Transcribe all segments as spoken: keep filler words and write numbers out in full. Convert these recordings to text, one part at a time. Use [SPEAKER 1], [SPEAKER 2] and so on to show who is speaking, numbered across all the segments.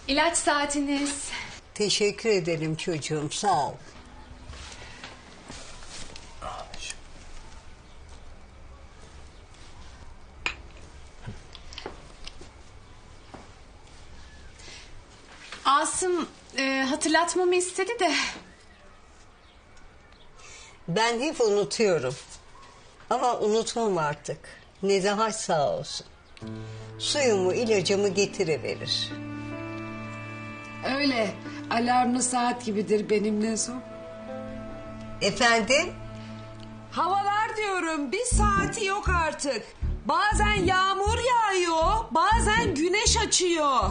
[SPEAKER 1] İlaç saatiniz.
[SPEAKER 2] Teşekkür ederim çocuğum, sağ ol.
[SPEAKER 1] Asım e, hatırlatmamı istedi de.
[SPEAKER 2] Ben hep unutuyorum. Ama unutmam artık. Nezahat sağ olsun. Suyumu, ilacımı getiriverir.
[SPEAKER 3] Öyle. Alarmlı saat gibidir benimle son.
[SPEAKER 2] Efendim?
[SPEAKER 3] Havalar diyorum, bir saati yok artık. Bazen yağmur yağıyor, bazen güneş açıyor.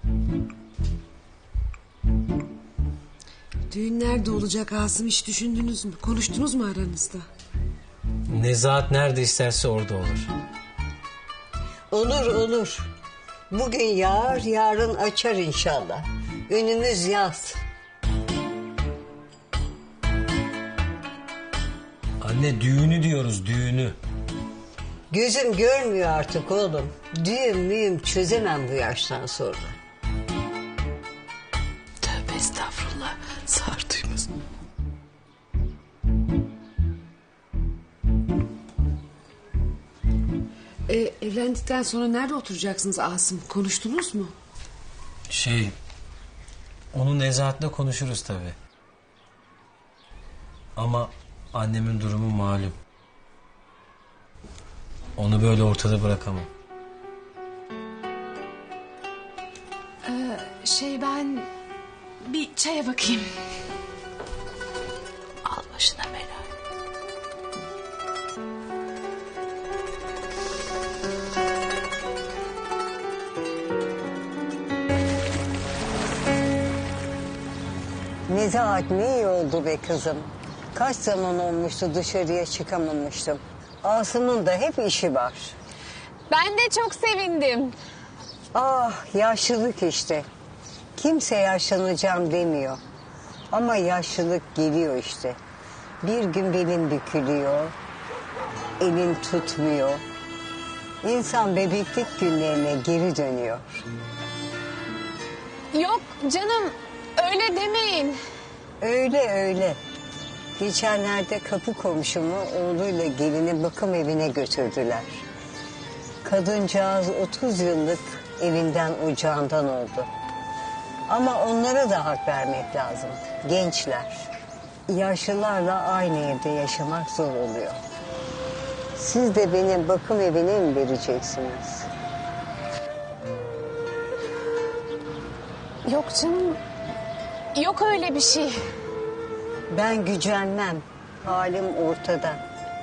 [SPEAKER 3] Düğün nerede olacak Asım, hiç düşündünüz mü? Konuştunuz mu aranızda?
[SPEAKER 4] Nezahat nerede isterse orada olur.
[SPEAKER 2] Olur olur. Bugün yağar, yarın açar inşallah. Önümüz yaz.
[SPEAKER 4] Anne düğünü diyoruz, düğünü.
[SPEAKER 2] Gözüm görmüyor artık oğlum. Düğüm müyüm çözemem bu yaştan sonra.
[SPEAKER 3] Tövbe estağfurullah. Sağır duymaz. E, evlendikten sonra nerede oturacaksınız Asım? Konuştunuz mu?
[SPEAKER 4] Şey, onu Nezahat'la konuşuruz tabii. Ama annemin durumu malum. Onu böyle ortada bırakamam.
[SPEAKER 1] Ee, şey ben bir çaya bakayım.
[SPEAKER 3] Al başına bela.
[SPEAKER 2] Nezahat ne iyi oldu be kızım. Kaç zaman olmuştu dışarıya çıkamamıştım. Asım'ın da hep işi var.
[SPEAKER 1] Ben de çok sevindim.
[SPEAKER 2] Ah yaşlılık işte. Kimse yaşlanacağım demiyor. Ama yaşlılık geliyor işte. Bir gün belin bükülüyor. Elin tutmuyor. İnsan bebeklik günlerine geri dönüyor.
[SPEAKER 1] Yok canım öyle demeyin.
[SPEAKER 2] Öyle öyle. Geçenlerde kapı komşumu oğluyla gelini bakım evine götürdüler. Kadıncağız otuz yıllık evinden ocağından oldu. Ama onlara da hak vermek lazım. Gençler. Yaşlılarla aynı evde yaşamak zor oluyor. Siz de benim bakım evine mi vereceksiniz?
[SPEAKER 1] Yok canım. Yok öyle bir şey.
[SPEAKER 2] Ben gücenmem. Halim ortada.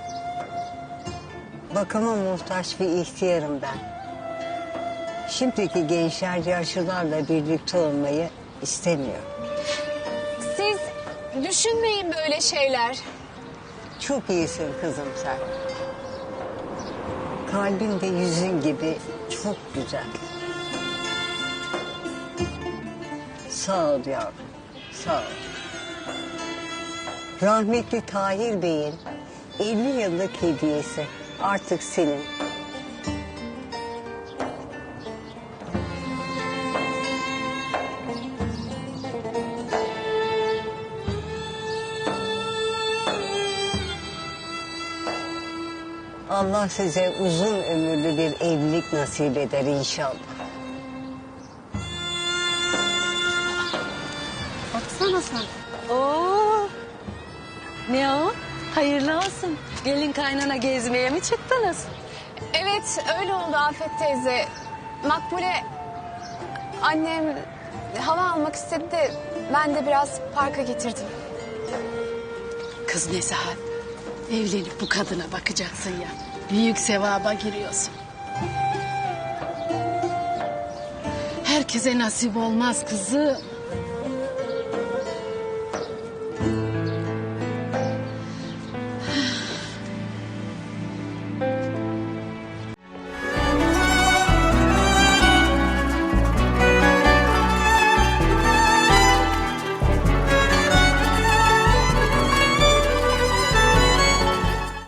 [SPEAKER 2] Bakıma muhtaç bir ihtiyarım ben. Şimdiki gençler yaşlılarla birlikte olmayı istemiyor.
[SPEAKER 1] Siz düşünmeyin böyle şeyler.
[SPEAKER 2] Çok iyisin kızım sen. Kalbin de yüzün gibi çok güzel. Sağ ol yavrum, sağ ol. Rahmetli Tahir Bey'in elli yıllık hediyesi artık senin. Allah size uzun ömürlü bir evlilik nasip eder inşallah.
[SPEAKER 5] Baksana sen. Oo. Ne o? Hayırlı olsun. Gelin kaynana gezmeye mi çıktınız?
[SPEAKER 1] Evet öyle oldu Afet teyze. Makbule annem hava almak istedi de ben de biraz parka getirdim.
[SPEAKER 5] Kız Nezahat, evlenip bu kadına bakacaksın ya. Büyük sevaba giriyorsun. Herkese nasip olmaz kızım.